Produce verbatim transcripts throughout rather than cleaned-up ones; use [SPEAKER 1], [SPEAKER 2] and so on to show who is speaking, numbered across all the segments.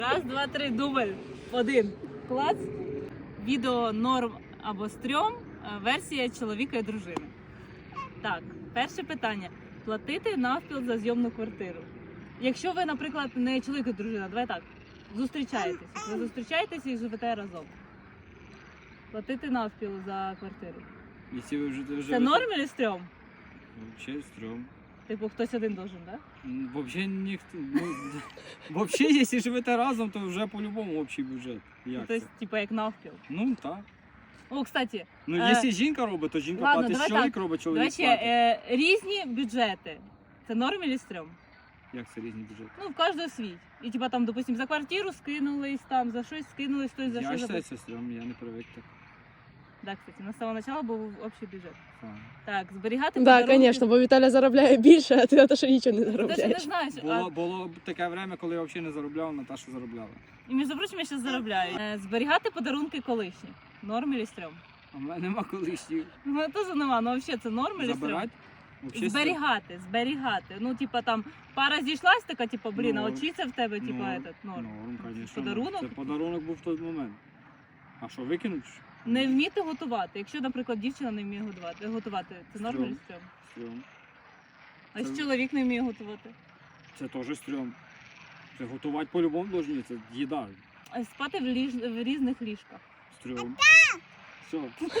[SPEAKER 1] Раз, два, три, дубль. Один. Клац. Відео норм або стрьом. Версія чоловіка і дружини. Так, перше питання. Платити навпіл за зйомну квартиру. Якщо ви, наприклад, не чоловік і дружина, давай так, зустрічаєтесь. Ви зустрічаєтеся і живете разом. Платити навпіл за квартиру.
[SPEAKER 2] Якщо ви вже живете...
[SPEAKER 1] Це норм чи стрьом?
[SPEAKER 2] Взагалі стрьом.
[SPEAKER 1] Типу, хтось один должен, так?
[SPEAKER 2] М, Вообще ніхто. Ну, вообще, якщо живете разом, то вже по-любому общий бюджет. Як
[SPEAKER 1] Тобто,
[SPEAKER 2] це?
[SPEAKER 1] типу, як навпіл.
[SPEAKER 2] Ну так.
[SPEAKER 1] О, кстати,
[SPEAKER 2] Ну,
[SPEAKER 1] Е,
[SPEAKER 2] якщо жінка робить, то жінка
[SPEAKER 1] ладно,
[SPEAKER 2] платить,
[SPEAKER 1] давай
[SPEAKER 2] чоловік
[SPEAKER 1] так.
[SPEAKER 2] робить,
[SPEAKER 1] до
[SPEAKER 2] чоловік
[SPEAKER 1] речі,
[SPEAKER 2] платить.
[SPEAKER 1] е, різні бюджети. Це норм чи стрьом?
[SPEAKER 2] Як це різні бюджети?
[SPEAKER 1] Ну, в кожного свій. І типа там, допустим, за квартиру скинулись, там за щось скинулись, хтось за
[SPEAKER 2] Я
[SPEAKER 1] щось.
[SPEAKER 2] вважаю, це стрьом, я не привик так.
[SPEAKER 1] Так, кстати, на самого начала був общий бюджет.
[SPEAKER 2] Файно.
[SPEAKER 1] Так, зберігати
[SPEAKER 3] Да,
[SPEAKER 1] подарунки.
[SPEAKER 3] звісно, бо Віталя заробляє більше, а ти на те, що нічого не
[SPEAKER 1] Ти ж не
[SPEAKER 3] заробляєш.
[SPEAKER 1] знаєш, а...
[SPEAKER 2] Було, було б таке время, коли я взагалі не заробляв, Наташа заробляла.
[SPEAKER 1] і між прочим, я зараз заробляю. Е, зберігати подарунки колишні. Норм чи стрьом?
[SPEAKER 2] А в мене нема колишніх.
[SPEAKER 1] У мене теж нема, ну взагалі це норм чи стрьом?
[SPEAKER 2] Забирати? Вообще
[SPEAKER 1] Зберігати, зберігати. Ну, типа там пара зійшлась, така, типа, блін, а
[SPEAKER 2] Норм.
[SPEAKER 1] очіться в тебе, типа,
[SPEAKER 2] Норм.
[SPEAKER 1] этот, норм.
[SPEAKER 2] Норм, звісно.
[SPEAKER 1] Подарунок?
[SPEAKER 2] Це подарунок був в той момент. А що, викинуть?
[SPEAKER 1] Не вміти готувати. Якщо, наприклад, дівчина не вміє готувати, готувати це норм
[SPEAKER 2] Стрьом.
[SPEAKER 1] чи стрьом?
[SPEAKER 2] Стрьом.
[SPEAKER 1] А
[SPEAKER 2] Це-
[SPEAKER 1] якщо чоловік не вміє готувати?
[SPEAKER 2] Це теж стрьом. Це готувати по-любому должні, це їда.
[SPEAKER 1] А спати в, ліж... в різних ліжках.
[SPEAKER 2] Стрьом. Все.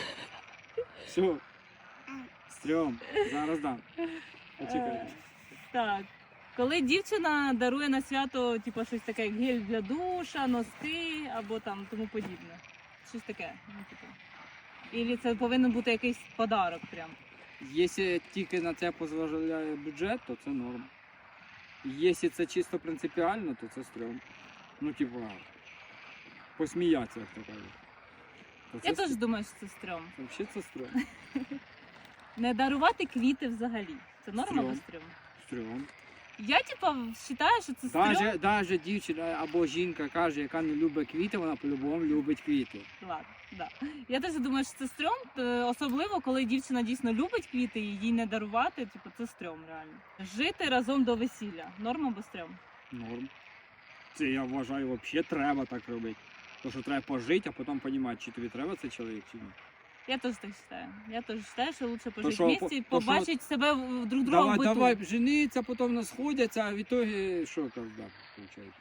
[SPEAKER 2] Все. Стрьом. Зараз дам. Почекай.
[SPEAKER 1] Е, Так. Коли дівчина дарує на свято, типу, щось таке, як гель для душа, носки або там тому подібне. Щось таке. Ну, типу. Ілі це повинен бути якийсь подарок прям.
[SPEAKER 2] Якщо тільки на це дозволяє бюджет, то це норм. Якщо це чисто принципіально, то це стрьом. Ну, типу, посміятися, як то кажуть. То
[SPEAKER 1] Я
[SPEAKER 2] це
[SPEAKER 1] теж думаю, що це стрьом.
[SPEAKER 2] Взагалі це стрьом.
[SPEAKER 1] Не дарувати квіти взагалі. Це норм або
[SPEAKER 2] Стрьом.
[SPEAKER 1] стрьом?
[SPEAKER 2] Стрьом.
[SPEAKER 1] Я, типа, вважаю, що це стрьом.
[SPEAKER 2] Даже, даже дівчина або жінка каже, яка не любить квіти, вона по-любому любить квіти.
[SPEAKER 1] Ладно, да. Я теж думаю, що це стрьом, т- особливо, коли дівчина дійсно любить квіти і їй не дарувати, типу, це стрьом реально. Жити разом до весілля. Норм або стрьом?
[SPEAKER 2] Норм. Це я вважаю, взагалі треба так робити. Тому що треба пожити, а потім розуміти, чи тобі треба цей чоловік, чи ні.
[SPEAKER 1] Я теж так вважаю. Я теж вважаю, що лучше
[SPEAKER 2] що,
[SPEAKER 1] пожити вместе і
[SPEAKER 2] по- то що-
[SPEAKER 1] побачити себе в- друг друга
[SPEAKER 2] Давай,
[SPEAKER 1] в биту.
[SPEAKER 2] давай, жениться, потім в нас сходяться, а в ітогі що казда, виходить?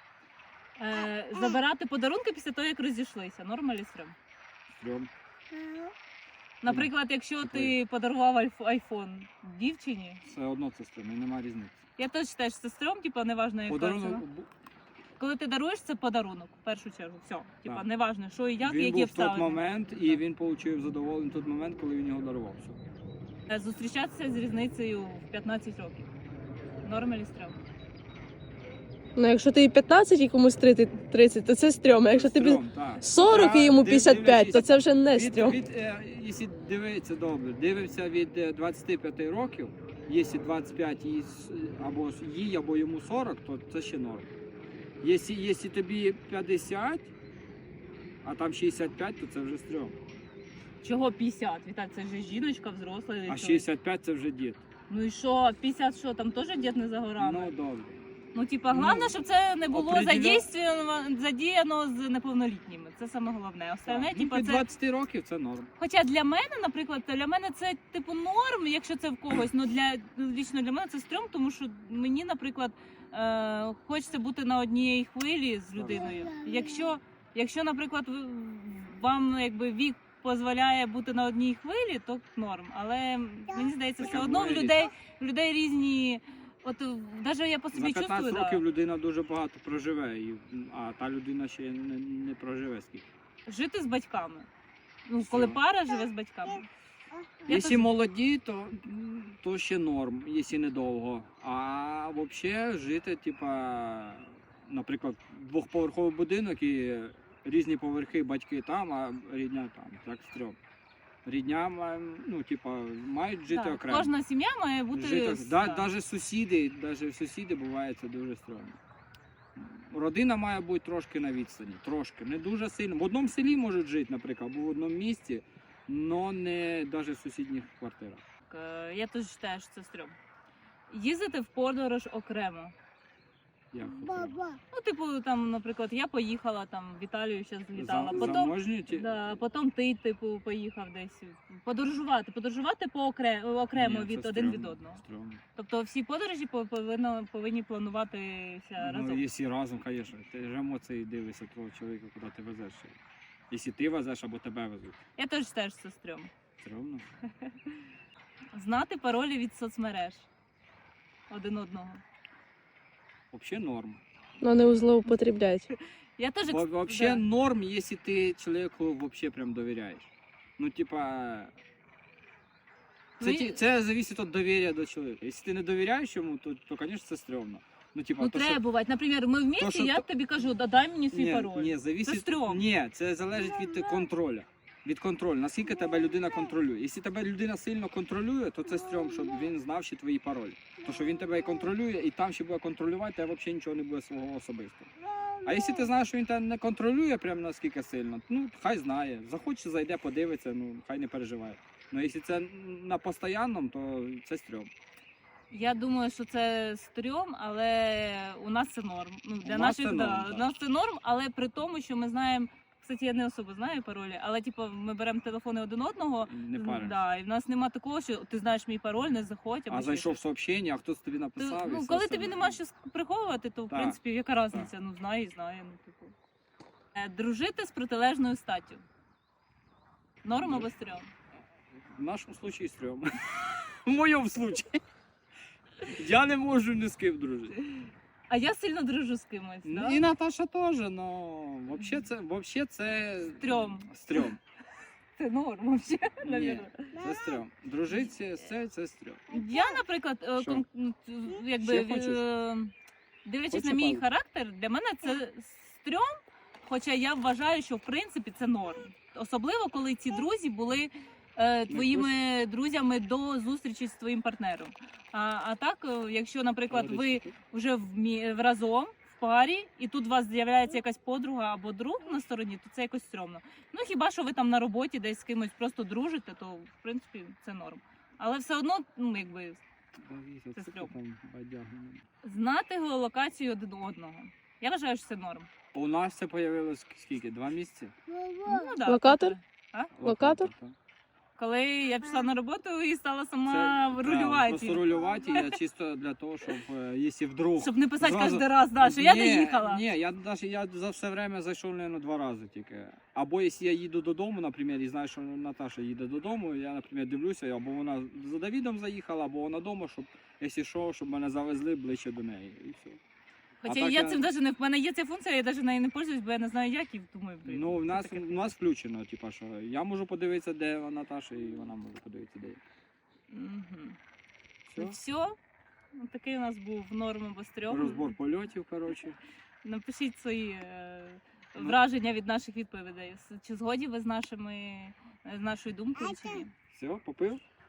[SPEAKER 1] Е, забирати подарунки після того, як розійшлися. Норм або стрьом?
[SPEAKER 2] Стрьом.
[SPEAKER 1] Наприклад, якщо ти подарував альф- айфон дівчині,
[SPEAKER 2] Все одно це стрьом, і немає різниці.
[SPEAKER 1] я теж вважаю, що це стрьом, типу, неважно, яка ціна.
[SPEAKER 2] Подарунок бу-
[SPEAKER 1] Коли ти даруєш, це подарунок, в першу чергу. Все. Типа,
[SPEAKER 2] Так.
[SPEAKER 1] неважно, що і як, і
[SPEAKER 2] він
[SPEAKER 1] які
[SPEAKER 2] був в той
[SPEAKER 1] обставини.
[SPEAKER 2] момент, і він отримав задоволення в той момент, коли він його дарував. Все.
[SPEAKER 1] Е, Зустрічатися з різницею в п'ятнадцять років. Норм чи стрьом?
[SPEAKER 3] Ну, якщо тобі п'ятнадцять і комусь тридцять, то це стрьом. А якщо тобі
[SPEAKER 2] Стрьом, так.
[SPEAKER 3] сорок і йому п'ятдесят п'ять, то це вже не
[SPEAKER 2] Від,
[SPEAKER 3] стрьом.
[SPEAKER 2] від, е, якщо дивитися добре, дивимося від е, двадцяти п'яти років, якщо двадцять п'ять їй с- або їй, або йому сорок, то це ще норм. Якщо, якщо тобі п'ятдесят, а там шістдесят п'ять, то це вже стрьом.
[SPEAKER 1] Чого п'ятдесят? Віталь, це вже жіночка взросла. і
[SPEAKER 2] А
[SPEAKER 1] чоловік.
[SPEAKER 2] шістдесят п'ять це вже дід.
[SPEAKER 1] Ну і що, п'ятдесят що, там теж дід не за горами?
[SPEAKER 2] Ну добре.
[SPEAKER 1] Ну, типа,
[SPEAKER 2] ну,
[SPEAKER 1] головне, щоб це не було
[SPEAKER 2] определя-
[SPEAKER 1] задійствовано, задіяно з неповнолітніми. Це саме головне. Остальне,
[SPEAKER 2] Так. Ну,
[SPEAKER 1] типа,
[SPEAKER 2] від
[SPEAKER 1] це...
[SPEAKER 2] двадцяти років це норм.
[SPEAKER 1] Хоча для мене, наприклад, для мене це типу норм, якщо це в когось. Ну для лічно для мене це стрьом, тому що мені, наприклад, е, хочеться бути на одній хвилі з людиною. Якщо, якщо, наприклад, ви- вам якби вік дозволяє бути на одній хвилі, то норм. Але мені здається, все
[SPEAKER 2] Таке
[SPEAKER 1] одно в
[SPEAKER 2] буває
[SPEAKER 1] людей в людей різні. От навіть я по
[SPEAKER 2] За
[SPEAKER 1] собі
[SPEAKER 2] п'ятнадцять
[SPEAKER 1] чувствую,
[SPEAKER 2] років
[SPEAKER 1] да,
[SPEAKER 2] людина дуже багато проживе, і, а та людина ще не, не проживе скільки.
[SPEAKER 1] жити з батьками. Ну, коли
[SPEAKER 2] Все.
[SPEAKER 1] пара живе з батьками. Я
[SPEAKER 2] Якщо
[SPEAKER 1] теж-
[SPEAKER 2] молоді, то, то ще норм, якщо недовго. А взагалі жити, типа, наприклад, двохповерховий будинок і різні поверхи, батьки там, а рідня там. Так стрьом. Рідня, ма- ну, типа, мають жити
[SPEAKER 1] Так,
[SPEAKER 2] окремо.
[SPEAKER 1] кожна сім'я має бути
[SPEAKER 2] Жити,
[SPEAKER 1] з-
[SPEAKER 2] да,
[SPEAKER 1] так.
[SPEAKER 2] навіть сусіди, навіть сусіди буває це дуже стрьомно. Родина має бути трошки на відстані, трошки, не дуже сильно. В одному селі можуть жити, наприклад, або в одному місті, але не навіть в сусідніх квартирах.
[SPEAKER 1] Е, Я теж вважаю, що це стрьом. Їздити в подорож окремо.
[SPEAKER 2] Як це?
[SPEAKER 1] Ну, типу, там, наприклад, я поїхала там в Італію, ще злітала.
[SPEAKER 2] За-
[SPEAKER 1] Потім,
[SPEAKER 2] Заможні ті?
[SPEAKER 1] да, потім ти, типу, поїхав десь подорожувати. Подорожувати по окре... окремо
[SPEAKER 2] Ні,
[SPEAKER 1] від
[SPEAKER 2] це
[SPEAKER 1] один від
[SPEAKER 2] стрьомно,
[SPEAKER 1] одного.
[SPEAKER 2] стрьомно.
[SPEAKER 1] Тобто всі подорожі по- повинно, повинні плануватися
[SPEAKER 2] Ну,
[SPEAKER 1] разом.
[SPEAKER 2] якщо разом, звісно, ти ж емоції дивишся того чоловіка, куди ти везеш. Якщо ти везеш або тебе везуть.
[SPEAKER 1] Я теж теж це стрьом.
[SPEAKER 2] Стрьомно.
[SPEAKER 1] Знати паролі від соцмереж один одного.
[SPEAKER 2] Взагалі норм.
[SPEAKER 3] Ну не злоупотребляють.
[SPEAKER 1] Я теж
[SPEAKER 2] Во-
[SPEAKER 1] екс-
[SPEAKER 2] Вообще
[SPEAKER 1] да.
[SPEAKER 2] норм, если ты человеку вообще прям доверяешь. Ну, типа. Це,
[SPEAKER 1] Ну,
[SPEAKER 2] ті-
[SPEAKER 1] і-
[SPEAKER 2] це залежить від довір'я до чоловіка. Якщо ти не довіряєш йому, то, то звісно, це стрьомно. Ну, типа,
[SPEAKER 1] Ну
[SPEAKER 2] то,
[SPEAKER 1] треба
[SPEAKER 2] що...
[SPEAKER 1] бувати. Наприклад, ми в місті,
[SPEAKER 2] що
[SPEAKER 1] я
[SPEAKER 2] то-
[SPEAKER 1] тобі кажу, да, дай мені свій
[SPEAKER 2] Ні,
[SPEAKER 1] пароль.
[SPEAKER 2] ні, зависить...
[SPEAKER 1] Це стрьом.
[SPEAKER 2] Ні, це залежить від контролю. Від контролю, наскільки тебе людина контролює. Якщо тебе людина сильно контролює, то це стрьом, щоб він знав ще твої паролі. Тому що він тебе і контролює, і там ще буде контролювати, тебе взагалі нічого не буде свого особистого. А якщо ти знаєш, що він тебе не контролює прям наскільки сильно, ну хай знає. Захоче, зайде, подивиться, ну хай не переживає. Ну якщо це на постоянному, то це стрьом.
[SPEAKER 1] Я думаю, що це стрьом, але у нас це норм. Ну, для
[SPEAKER 2] У нас
[SPEAKER 1] наших
[SPEAKER 2] це
[SPEAKER 1] да,
[SPEAKER 2] норм,
[SPEAKER 1] у
[SPEAKER 2] так.
[SPEAKER 1] нас це норм, але при тому, що ми знаємо. Кстати, я не особо знаю паролі, але типу, ми беремо телефони один одного.
[SPEAKER 2] Не париш.
[SPEAKER 1] Да, і в нас нема такого, що ти знаєш мій пароль, не заходь. або
[SPEAKER 2] А
[SPEAKER 1] ще
[SPEAKER 2] зайшов
[SPEAKER 1] щось.
[SPEAKER 2] сообщення, а хтось тобі
[SPEAKER 1] Ти-
[SPEAKER 2] написав. і
[SPEAKER 1] ну,
[SPEAKER 2] все
[SPEAKER 1] коли
[SPEAKER 2] це.
[SPEAKER 1] тобі нема що приховувати, то в
[SPEAKER 2] Так,
[SPEAKER 1] принципі яка різниця? Ну знає і знає. Ну, типу. Е, Дружити з протилежною статтю. Норм або стрьом?
[SPEAKER 2] В нашому случаї стрьом. В моєму случаї. Я не можу ні з ким дружити.
[SPEAKER 1] А я сильно дружу з кимось. Да?
[SPEAKER 2] І Наташа теж, але взагалі це, вообще це
[SPEAKER 1] Стрьом.
[SPEAKER 2] стрьом.
[SPEAKER 1] Це норм взагалі.
[SPEAKER 2] Ні,
[SPEAKER 1] навірно.
[SPEAKER 2] це стрьом. Дружити з це, це стрьом.
[SPEAKER 1] Я, наприклад, е,
[SPEAKER 2] Що?
[SPEAKER 1] кон- ну, т- якби
[SPEAKER 2] Ще хочеш?
[SPEAKER 1] е, дивлячись
[SPEAKER 2] Хочеш
[SPEAKER 1] на мій
[SPEAKER 2] палку?
[SPEAKER 1] характер, для мене це стрьом, хоча я вважаю, що в принципі це норм. Особливо, коли ці друзі були е, твоїми друзями до зустрічі з твоїм партнером. А, а так, е, якщо, наприклад, ви вже в мі- в разом в парі, і тут у вас з'являється якась подруга або друг на стороні, то це якось стрьомно. Ну хіба що ви там на роботі десь з кимось просто дружите, то в принципі це норм. Але все одно, ну якби Це стрьом. знати геолокацію один одного. Я вважаю, що це норм.
[SPEAKER 2] У нас це з'явилось скільки? Два місяці?
[SPEAKER 1] Ну, да,
[SPEAKER 3] Локатор? Локатор?
[SPEAKER 2] так.
[SPEAKER 1] Коли я пішла на роботу і стала
[SPEAKER 2] Це,
[SPEAKER 1] сама
[SPEAKER 2] да,
[SPEAKER 1] рулювати.
[SPEAKER 2] Просто рулювати я чисто для того, щоб е, якщо вдруг.
[SPEAKER 1] Щоб не писати
[SPEAKER 2] Зразу-
[SPEAKER 1] кожен раз, да, що я
[SPEAKER 2] Ні,
[SPEAKER 1] доїхала.
[SPEAKER 2] Ні, я навіть я за все время зайшов, мабуть, два рази тільки. Або якщо я їду додому, наприклад, і знаю, що Наташа їде додому, я, наприклад, дивлюся, або вона за Давідом заїхала, або вона вдома, щоб, якщо що, щоб мене завезли ближче до неї. І все.
[SPEAKER 1] Хоча
[SPEAKER 2] А так
[SPEAKER 1] я
[SPEAKER 2] я-
[SPEAKER 1] цим навіть не в мене є ця функція, я навіть нею не пользуюсь, бо я не знаю, як і думаю, блін.
[SPEAKER 2] Ну, в
[SPEAKER 1] це
[SPEAKER 2] нас,
[SPEAKER 1] таке.
[SPEAKER 2] в нас включено, типа, що я можу подивитися, де Наташа, і вона може подивитися, де я.
[SPEAKER 1] Мгм.
[SPEAKER 2] Все.
[SPEAKER 1] Ну, все. Ну, такий у нас був норм або стрьом.
[SPEAKER 2] Розбор польотів, коротше.
[SPEAKER 1] Напишіть свої е,
[SPEAKER 2] Ну.
[SPEAKER 1] враження від наших відповідей. С- Чи згодні ви з нашими з нашою думкою, чи ні?
[SPEAKER 2] Все, попив?